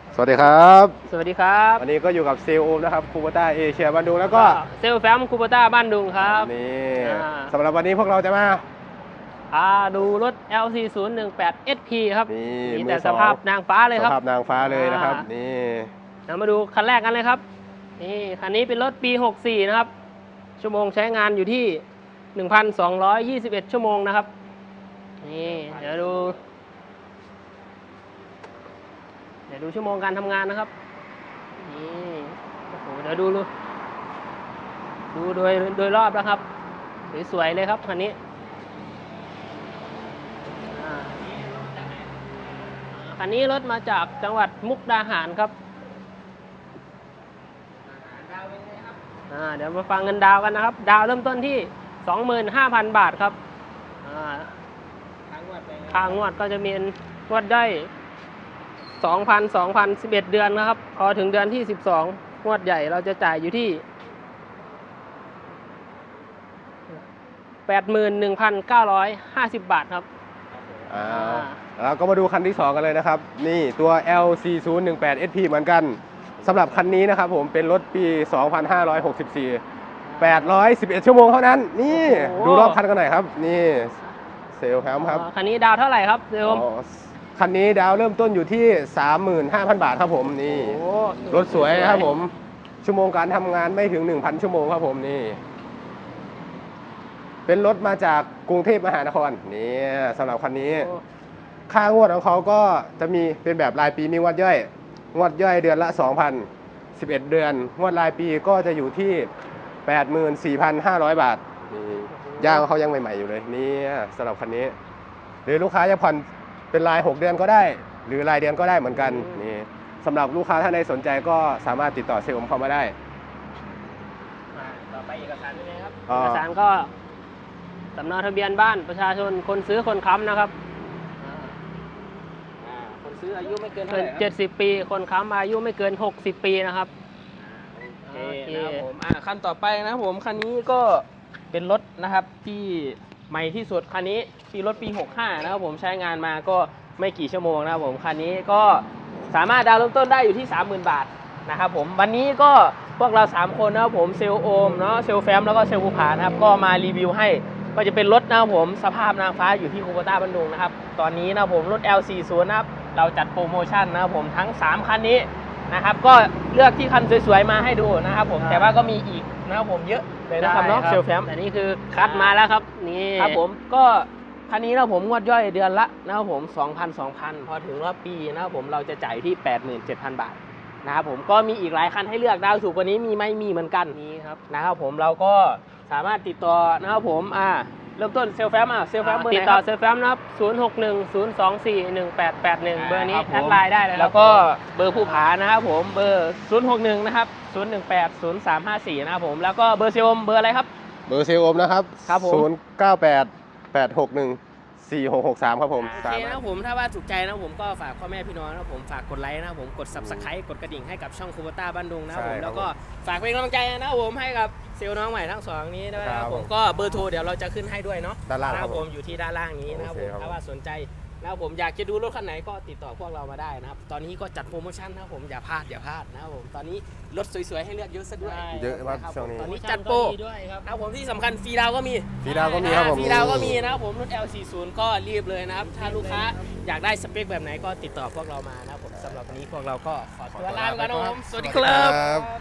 สวัสดีครับสวัสดีครับวันนี้ก็อยู่กับเซลล์โอมนะครับคูโบต้าเอเชียบ้านดุงแล้วก็เซลแฟมคูโบต้าบ้านดุงครับนี่อ่าสำหรับวันนี้พวกเราจะมาดูรถ LC018 SP ครับนี่มีมืแต่อสสองภาพนางฟ้าเลยครับสภาพนางฟ้าเลยนะครับอ่านี่นี่เรามาดูคันแรกกันเลยครับนี่คันนี้เป็นรถปี 64 นะครับ ชั่วโมงใช้งานอยู่ที่ 1,221 ชั่วโมงนะครับนี่เดี๋ยวดูชั่วโมงการทำงานนะครับนี่โอ้โหเดี๋ยวดูโดยรอบแล้วครับสวยๆเลยครับคันนี้คันนี้รถมาจากจังหวัดมุกดาหารครับเดี๋ยวมาฟังเงินดาวกันนะครับ ดาวเริ่มต้นที่ 25,000 บาทครับค่างวดก็จะมีงวดได้2,11 เดือนนะครับพอถึงเดือนที่12งวดใหญ่เราจะจ่ายอยู่ที่ 81,950 บาทครับเราก็มาดูคันที่2กันเลยนะครับนี่ตัว LC018 SP เหมือนกันสำหรับคันนี้นะครับผมเป็นรถปี 2564 811 ชั่วโมงเท่านั้นนี่ดูรอบคันกันหน่อยครับนี่เซลล์ครับคันนี้ดาวเท่าไหร่ครับเซลล์คันนี้ดาวเริ่มต้นอยู่ที่ 35,000 บาทครับผมนี่รถสวยครับผมชั่วโมงการทำงานไม่ถึง 1,000 ชั่วโมงครับผมนี่เป็นรถมาจากกรุงเทพมหานครนี่สำหรับคันนี้ค่างวดของเขาก็จะมีเป็นแบบรายปีมีงวดย่อยเดือนละ 2,000 11 เดือนงวดรายปีก็จะอยู่ที่ 84,500 บาทนี่ย่างเขายังใหม่ๆอยู่เลยนี่สำหรับคันนี้หรือลูกค้าจะผ่อนเป็นราย6 เดือนก็ได้หรือรายเดือนก็ได้เหมือนกันนี่สำหรับลูกค้าท่านใดสนใจก็สามารถติดต่อเซลล์เข้ามาได้ต่อไปเอกสารเป็นไงครับเอกสารก็สำเนาทะเบียนบ้านประชาชนคนซื้อคนค้ำนะครับคนซื้ออายุไม่เกิน 70 ปีคนค้ำอายุไม่เกิน60 ปีนะครับโอเคนะครับผมคันต่อไปนะครับผมคันนี้ก็เป็นรถนะครับที่ใหม่ที่สุดคันนี้ปีรถปี65นะครับผมใช้งานมาก็ไม่กี่ชั่วโมงนะครับผมคันนี้ก็สามารถดาวน์เริ่มต้นได้อยู่ที่ 30,000 บาทนะครับผมวันนี้ก็พวกเรา3คนนะครับผมเซลโอมเนาะเซลแฟมแล้วก็เซลภูผานะครับก็มารีวิวให้ก็จะเป็นรถนะครับผมสภาพนางฟ้าอยู่ที่คูโบต้าบ้านดุงนะครับตอนนี้นะครับผมรถ L40 นะครับเราจัดโปรโมชั่นนะครับผมทั้ง3คันนี้นะครับก็เลือกที่คันสวยๆมาให้ดูนะครับผมแต่ว่าก็มีอีกนะครับผมเยอะเลยนะครับเนาะเซลแฟมแต่นี่คือคัดมาแล้วครับนี่ครับผมก็คันนี้นะผมงวดย่อยเดือนละนะครับผม 2,000 พอถึงรอบปีนะครับผมเราจะจ่ายที่ 87,000 บาทนะครับผมก็มีอีกหลายคันให้เลือกดาวถูกกว่านี้มีไหมมีเหมือนกันนี้ครับนะครับผมเราก็สามารถติดต่อนะครับผมเริ่มต้นเซลแฟมเซลแฟมเบอร์ไหนติดต่อเซลแฟมนะครับ0610241881เบอร์นี้แอดไลน์ได้เลยแล้วก็เบอร์ผู้ผานะครับผมเบอร์061นะครับ0180354นะครับผมแล้วก็เบอร์เซลเบอร์อะไรครับเบอร์เซลล์โอมนะครับครับผม 0988614663ครับผมโอเคนะครับผมถ้าว่าถูกใจนะผมก็ฝากพ่อแม่พี่น้องนะผมฝากกดไลค์นะผมกด Subscribe กดกระดิ่งให้กับช่องคูโบต้าบ้านดุงนะครับผมแล้วก็ฝากเป็นกำลังใจนะครับผมให้กับเซลล์น้องใหม่ทั้ง2นี้ด้วยนะครับผมก็เบอร์โทรเดี๋ยวเราจะขึ้นให้ด้วยเนาะด้านล่างนะครับผมอยู่ที่ด้านล่างนี้นะครับผมถ้าว่าสนใจนะครับผมอยากจะดูรถคันไหนก็ติดต่อพวกเรามาได้นะครับตอนนี้ก็จัดโปรโมชั่นนะครับผมอย่าพลาดนะครับผมตอนนี้รถสวยๆให้เลือกเยอะซะด้วยเยอะมากช่วงนี้ตอนนี้จัดโปรนะครับผมที่สำคัญฟรีดาวก็มีครับผมฟรีดาวก็มีนะครับผมรุ่น L40 ก็รีบเลยนะครับถ้าลูกค้าอยากได้สเปคแบบไหนก็ติดต่อพวกเรามานะครับผมสำหรับวันนี้พวกเราก็ขอตัวลาไปก่อนนะครับผมสวัสดีครับ